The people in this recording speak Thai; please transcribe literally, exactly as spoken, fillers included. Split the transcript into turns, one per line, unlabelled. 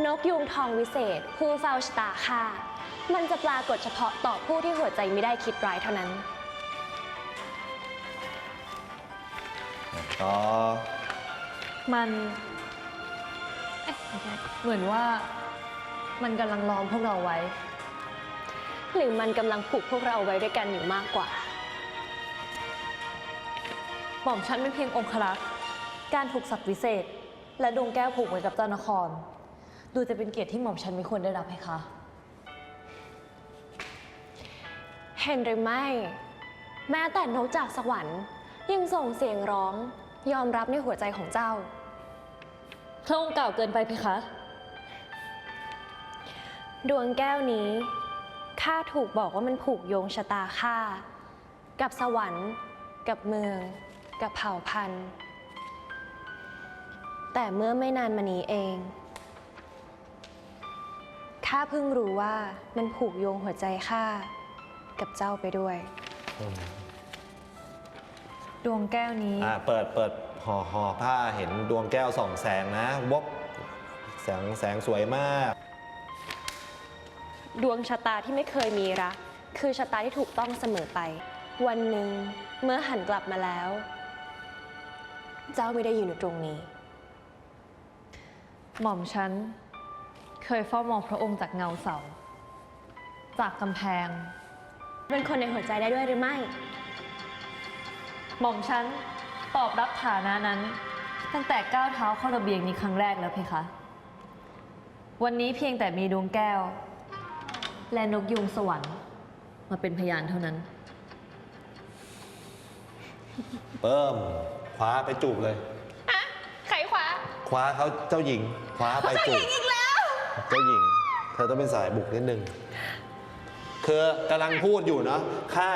นกยูงทองวิเศษผู้เฝ้าชะตาข้ามันจะปรากฏเฉพาะต่อผู้ที่หัวใจไม่ได้คิดร้ายเท่านั้น
ต่อ
มันเอ๊ะไม่ใช่เหมือนว่ามันกำลังล้อมพวกเราไว้
หรือมันกำลังผูกพวกเราไว้ด้วยกันอยู่มากกว่า
หม่อมฉันเป็นเพียงองครักษ์การถูกศักดิ์วิเศษและดวงแก้วผูกไว้กับเจ้านครดูจะเป็นเกียรติที่หม่อมฉันไม่ควรได้รับให้คะ
เห็นหรือไม่แม้แต่นกจากสวรรค์ยังส่งเสียงร้องยอมรับในหัวใจของเจ้า
พระองค์กล่าวเกินไปเพคะ
ดวงแก้วนี้ข้าถูกบอกว่ามันผูกโยงชะตาข้ากับสวรรค์กับเมืองกับเผ่าพันธุ์แต่เมื่อไม่นานมานี้เองข้าเพิ่งรู้ว่ามันผูกโยงหัวใจข้ากับเจ้าไปด้วย
ดวงแก้วนี้
อ่าเปิดเปิดห่อห่อผ้าเห็นดวงแก้วส่องแสงนะวบแสงแสงสวยมาก
ดวงชะตาที่ไม่เคยมีรักคือชะตาที่ถูกต้องเสมอไปวันหนึ่งเมื่อหันกลับมาแล้วเจ้าไม่ได้อยู่ในตรงนี้
หม่อมฉันเคยเฝ้ามองพระองค์จากเงาเสาจากกำแพง
เป็นคนในหัวใจได้ด้วยหรือไม่
หม่อมฉันตอบรับฐานะนั้นตั้งแต่ก้าวเท้าเข้าระเบียงนี้ครั้งแรกแล้วเพคะวันนี้เพียงแต่มีดวงแก้วและนกยูงสวรรค์มาเป็นพยานเท่านั้น
เพิ่มคว้าไปจูบเลย
อะใครคว้า
คว้าเขาเจ้าหญิงคว้าไปจูบเจ้าหญิงอีกแล้วเจ้าหญิงเธอต้องเป็นสายบุกนิดนึงคือกำลังพูดอยู่เนาะข้า